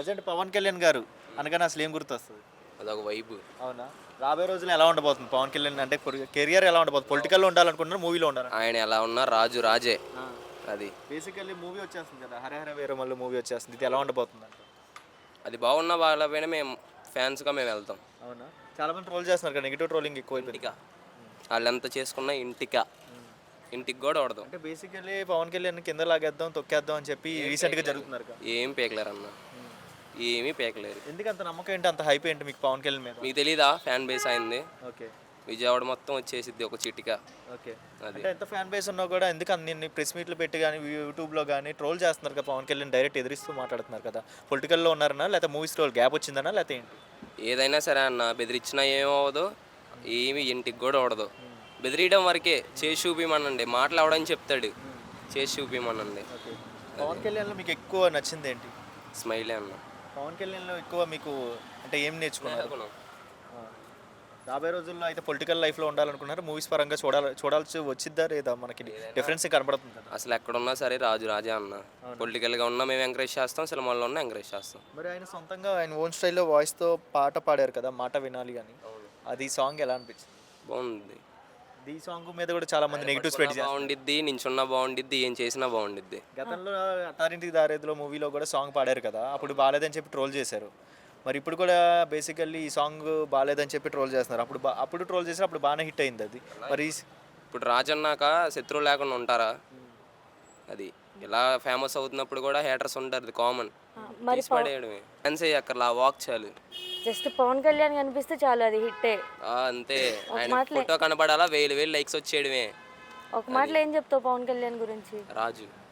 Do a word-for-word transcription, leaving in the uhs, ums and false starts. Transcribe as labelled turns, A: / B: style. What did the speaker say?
A: Present Pawan Kalyan గారు అనగానే అసలు ఏం గుర్తొస్తుంది?
B: అదొక వైబ్.
A: అవునా? రాబోయే రోజుల్లో ఎలా ఉండబోతుంది పవన్ కళ్యాణ్ అంటే కెరియర్ ఎలా ఉండబోతుంది? పొలిటికల్లో ఉండాలనుకుంటున్నారు, మూవీలో ఉండాలి?
B: ఆయన ఎలా ఉన్నా రాజు రాజే. అది
A: బేసికల్లీ మూవీ వచ్చేస్తుంది కదా, హరహర వీరమల్లు మూవీ వచ్చేస్తుంది. ఇది ఎలా ఉండబోతుంది అంట?
B: అది బాగున్నా బాగాలేకపోయినా మేము ఫ్యాన్స్గా మేము వెళ్తాం.
A: అవునా? చాలా మంది ట్రోల్ చేస్తున్నారు కదా, నెగిటివ్ ట్రోలింగ్ ఎక్కువ అయిపోయింది.
B: ఇంటికా వాళ్ళు ఎంత చేసుకున్నా ఇంటికా ఇంటికి కూడా పడదాం.
A: అంటే బేసికల్లీ పవన్ కళ్యాణ్ కింద లాగేద్దాం, తొక్కేద్దాం అని చెప్పి రీసెంట్గా జరుగుతున్నారు కదా.
B: ఏం పేకలేరు అన్న, ఏమీ పేకలేరు.
A: ఎందుకు అంత నమ్మకం ఏంటి, అంత హైప్ ఏంటి మీకు పవన్ కళ్యాణ్ మీద?
B: మీకు తెలీదా ఫ్యాన్ బేస్ అయింది?
A: ఓకే.
B: విజయవాడ మొత్తం వచ్చేసిద్ది ఒక చిటిక.
A: ఓకే.
B: అది
A: అంటే ఎంత ఫ్యాన్ బేస్ ఉన్నా కూడా ఎందుకు అన్ని ప్రెస్ మీట్లు పెట్టి కానీ యూట్యూబ్లో కానీ ట్రోల్ చేస్తున్నారు కదా పవన్ కళ్యాణ్, డైరెక్ట్ ఎదిరిస్తూ మాట్లాడుతున్నారు కదా. పొలిటికల్లో ఉన్నారన్నా లేకపోతే మూవీస్ రోల్ గ్యాప్ వచ్చిందన్నా లేకపోతే ఏంటి?
B: ఏదైనా సరే అన్న, బెదిరించినా ఏమవ్వదు, ఏమి ఇంటికి కూడా పడదు. బెదిరియడం వరకే, చేసి చూపిమనండి, మాట్లాడని చెప్తాడు, చేసి చూపిమనండి.
A: ఓకే. పవన్ కళ్యాణ్లో మీకు ఎక్కువ నచ్చింది ఏంటి?
B: స్మైలే అన్న.
A: పవన్ కళ్యాణ్లో ఎక్కువ మీకు అంటే ఏం నేర్చుకున్నారు? ఆ. రాబోయే రోజుల్లో అయితే పొలిటికల్ లైఫ్లో ఉండాలనుకున్నారు, మూవీస్ పరంగా చూడాలి చూడాల్సి వచ్చిద్దా లేదా? మనకి డిఫరెన్స్ కనబడుతుంది కదా.
B: అసలు ఎక్కడున్నా సరే రాజు రాజే అన్న. పొలిటికల్గా ఉన్నా మేము ఎంకరేజ్ చేస్తాం, సినిమాల్లో ఉన్నా ఎంకరేజ్ చేస్తాం.
A: మరి ఆయన సొంతంగా ఆయన ఓన్ స్టైల్లో వాయిస్తో పాట పాడారు కదా, మాట వినాలి కానీ, అది సాంగ్ ఎలా అనిపించింది?
B: బాగుంది.
A: ఈ సాంగ్ మీద కూడా చాలా మంది నెగిటివ్స్ పెట్టి
B: బాగుండిద్ది, నించున్నా బాగుండిద్ది, ఏం చేసినా బాగుండిద్ది.
A: గతంలో అత్తారింటికి దారేదిలో మూవీలో కూడా సాంగ్ పాడారు కదా, అప్పుడు బాగాలేదని చెప్పి ట్రోల్ చేశారు. మరి ఇప్పుడు కూడా బేసికల్లీ ఈ సాంగ్ బాగాలేదని చెప్పి ట్రోల్ చేస్తున్నారు. అప్పుడు బా అప్పుడు ట్రోల్ చేసి అప్పుడు బాగానే హిట్ అయింది అది. మరి
B: ఇప్పుడు రాజన్నాక శత్రువు లేకుండా ఉంటారా? అది ఇలా ఫేమస్ అవుతున్నప్పుడు కూడా హేటర్స్ ఉంటారు, అది కామన్.
C: మరి
B: పడేయడమే డాన్స్ అక్కర్లా, వాక్ చాలు.
C: జస్ట్ పవన్ కళ్యాణ్ కనిపిస్తే చాలు, అది హిట్టే.
B: ఆ, అంతే. ఆయన ఫోటో కనపడాలా, వేలు వేలు లైక్స్ వచ్చేయడమే.
C: ఒక మాటలో ఏం చెప్తావు పవన్ కళ్యాణ్ గురించి?
B: రాజు